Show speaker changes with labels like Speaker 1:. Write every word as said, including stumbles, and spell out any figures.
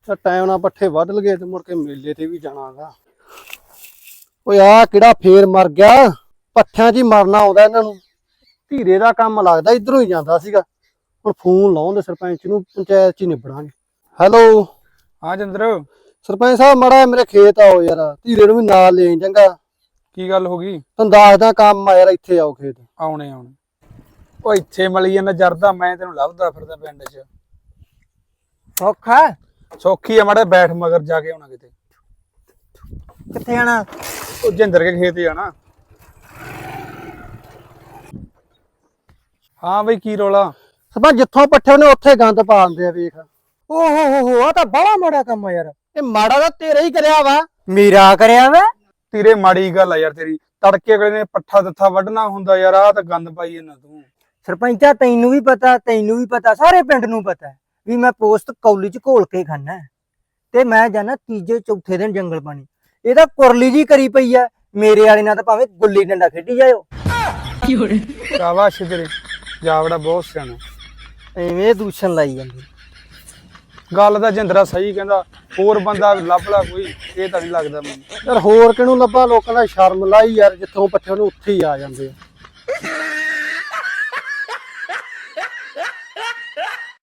Speaker 1: ਤਾਂ ਟਾਈਮ ਨਾਲ ਪੱਠੇ ਵੱਢ ਲਗੇ ਤੇ ਮੁੜ ਕੇ ਮੇਲੇ ਤੇ ਵੀ ਜਾਣਾਗਾ। ਓਏ ਆ ਕਿਹੜਾ ਫੇਰ ਮਰ ਗਿਆ, ਪੱਠਿਆਂ 'ਚ ਹੀ ਮਰਨਾ ਆਉਂਦਾ ਇਹਨਾਂ ਨੂੰ। ਧੀਰੇ ਦਾ ਕੰਮ ਲੱਗਦਾ ਇਧਰੋਂ ਹੀ ਜਾਂਦਾ ਸੀਗਾ। ਹੁਣ ਫੋਨ ਲਾਉਂਦੇ ਸਰਪੰਚ ਨੂੰ, ਪੰਚਾਇਤ 'ਚ ਹੀ ਨਿਬੜਾਂਗੇ। ਹੈਲੋ
Speaker 2: ਹਾਂ ਜਿੰਦਰ,
Speaker 1: ਸਰਪੰਚ ਸਾਹਿਬ ਮਾੜਾ ਮੇਰੇ ਖੇਤ ਆਓ ਯਾਰ, ਧੀਰੇ ਨੂੰ ਵੀ ਨਾਲ ਲੈ ਚੰਗਾ।
Speaker 2: ਕੀ ਗੱਲ ਹੋ ਗਈ?
Speaker 1: ਤੁਹਾਨੂੰ ਦੱਸਦਾ ਕੰਮ ਆ ਯਾਰ, ਇੱਥੇ ਆਓ ਖੇਤ।
Speaker 2: ਆਉਣੇ ਆਉਣੇ ਉਹ ਇੱਥੇ ਮਲੀ ਜਾਂਦਾ ਜਰਦਾ, ਮੈਂ ਤੈਨੂੰ ਲੱਭਦਾ ਫਿਰਦਾ ਪਿੰਡ 'ਚ।
Speaker 3: ਸੌਖਾ
Speaker 2: ਸੌਖੀ ਆ, ਮਾੜਾ ਬੈਠ ਮਗਰ ਜਾ ਕੇ ਆਉਣਾ ਕਿਤੇ।
Speaker 3: ਕਿੱਥੇ ਜਾਣਾ?
Speaker 2: ਉਹ ਜਿੰਦਰ ਕੇ ਖੇਤ ਜਾਣਾ। ਹਾਂ ਬਈ ਕੀ ਰੌਲਾ?
Speaker 1: ਸਰਪੰਚ ਜਿੱਥੋਂ ਪੱਠੇ ਉਹਨੇ ਉੱਥੇ ਗੰਦ ਪਾ ਦਿੰਦੇ ਆ, ਵੇਖ।
Speaker 3: ਓਹ ਹੋ ਹੋ, ਆ ਤਾਂ ਬੜਾ ਮਾੜਾ ਕੰਮ ਆ ਯਾਰ।
Speaker 1: ਇਹ ਮਾੜਾ ਤਾਂ ਤੇਰਾ ਹੀ ਕਰਿਆ ਵਾ।
Speaker 3: ਮੇਰਾ ਕਰਿਆ ਵਾ?
Speaker 2: ਤੇਰੇ ਮਾੜੀ ਗੱਲ ਆ ਯਾਰ ਤੇਰੀ। ਤੜਕੇ ਅਗਲੇ ਨੇ ਪੱਠਾ ਦੱਥਾ ਵੱਢਣਾ ਹੁੰਦਾ ਯਾਰ, ਆਹ ਤਾਂ ਗੰਦ ਪਾਈ ਜਾਂਦਾ ਤੂੰ।
Speaker 3: ਸਰਪੰਚਾ ਤੈਨੂੰ ਵੀ ਪਤਾ, ਤੈਨੂੰ ਵੀ ਪਤਾ, ਸਾਰੇ ਪਿੰਡ ਨੂੰ ਪਤਾ ਵੀ ਮੈਂ ਪੋਸਟ ਕੌਲੀ ਚ ਘੋਲ ਕੇ ਖਾਨਾ ਤੇ ਮੈਂ ਜਾਣਾ ਤੀਜੇ ਚੌਥੇ ਦਿਨ ਜੰਗਲ ਪਾਣੀ। ਇਹ ਤਾਂ ਕੁਰਲੀ ਜੀ ਕਰੀ ਪਈ ਆ, ਮੇਰੇ ਵਾਲੇ ਨਾਲ ਤਾਂ ਭਾਵੇਂ ਗੁੱਲੀ ਡੰਡਾ ਖੇਡੀ ਜਾਇਓ।
Speaker 2: ਸ਼ਾਬਾਸ਼ ਤੇਰੇ, ਜਾਵੜਾ ਬਹੁਤ ਸਿਆਣਾ।
Speaker 3: ਐਵੇਂ ਦੂਸ਼ਣ ਲਾਈ ਜਾਂਦੀ।
Speaker 2: ਗੱਲ ਤਾਂ ਜਿੰਦਰਾ ਸਹੀ ਕਹਿੰਦਾ, ਹੋਰ ਬੰਦਾ ਲੱਭ ਲਾ ਕੋਈ, ਇਹ ਤਾਂ ਨਹੀਂ ਲੱਗਦਾ ਮੈਨੂੰ।
Speaker 1: ਯਾਰ ਹੋਰ ਕਿਹਨੂੰ ਲੱਭਾ, ਲੋਕਾਂ ਦਾ ਸ਼ਰਮ ਲਾਈ ਯਾਰ, ਜਿੱਥੋਂ ਪੱਠੇ ਉਹਨੂੰ ਉੱਥੇ ਹੀ ਆ ਜਾਂਦੇ ਆ।